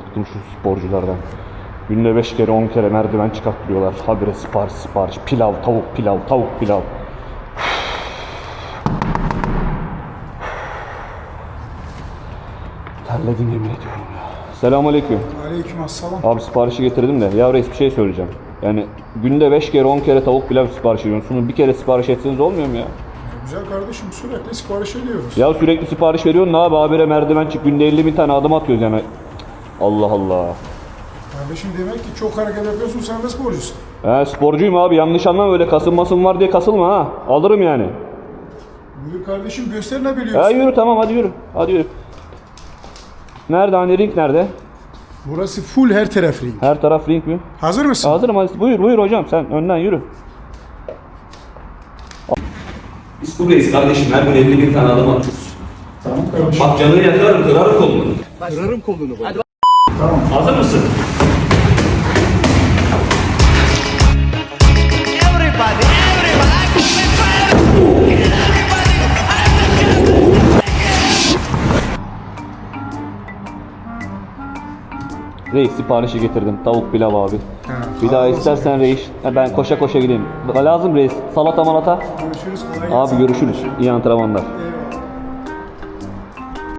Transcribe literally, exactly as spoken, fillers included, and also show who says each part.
Speaker 1: bıktım şu sporculardan. Günde beş kere on kere merdiven çıkarttırıyorlar. Habire sipariş sipariş. Pilav, tavuk pilav, tavuk pilav. Terledim yemin ediyorum ya. Selamünaleyküm.
Speaker 2: Aleykümselam.
Speaker 1: Abi siparişi getirdim de. Ya reis bir şey söyleyeceğim. Yani günde beş kere on kere tavuk pilav sipariş ediyorsunuz. Bir kere sipariş etseniz olmuyor mu ya?
Speaker 2: Güzel kardeşim, sürekli sipariş ediyoruz.
Speaker 1: Ya sürekli sipariş veriyorsun ne abi, habire merdiven çık, günde elli bin tane adım atıyoruz yani. Allah Allah.
Speaker 2: Kardeşim demek ki çok hareket yapıyorsun, sen de sporcusun.
Speaker 1: He sporcuyum abi, yanlış anlama, öyle kasılmasın var diye kasılma ha. Alırım yani.
Speaker 2: Buyur kardeşim, göster ne biliyorsun.
Speaker 1: Ya yürü tamam, hadi yürü. Hadi yürü. Nerede hani, ring nerede?
Speaker 2: Burası full her taraf ring.
Speaker 1: Her taraf ring mi?
Speaker 2: Hazır mısın?
Speaker 1: Hazırım, hadi buyur buyur hocam, sen önden yürü. Biz buradayız kardeşim, her gün elli bin tane adım atıyoruz.
Speaker 2: Tamam kardeşim.
Speaker 1: Bak canını yakarım, kırarım kolunu.
Speaker 2: Kırarım kolunu bak. Hadi.
Speaker 1: Tamam. Hazır mısın?
Speaker 3: Everybody, everybody,
Speaker 1: Reis siparişi getirdim, tavuk pilav abi.
Speaker 2: Ha,
Speaker 1: Bir daha
Speaker 2: Allah
Speaker 1: istersen
Speaker 2: olsun.
Speaker 1: reis, ben koşa koşa gideyim. Lazım reis, salata malata.
Speaker 2: Görüşürüz, kolay gelsin.
Speaker 1: Abi görüşürüz, iyi antrenmanlar.
Speaker 2: Eyvallah.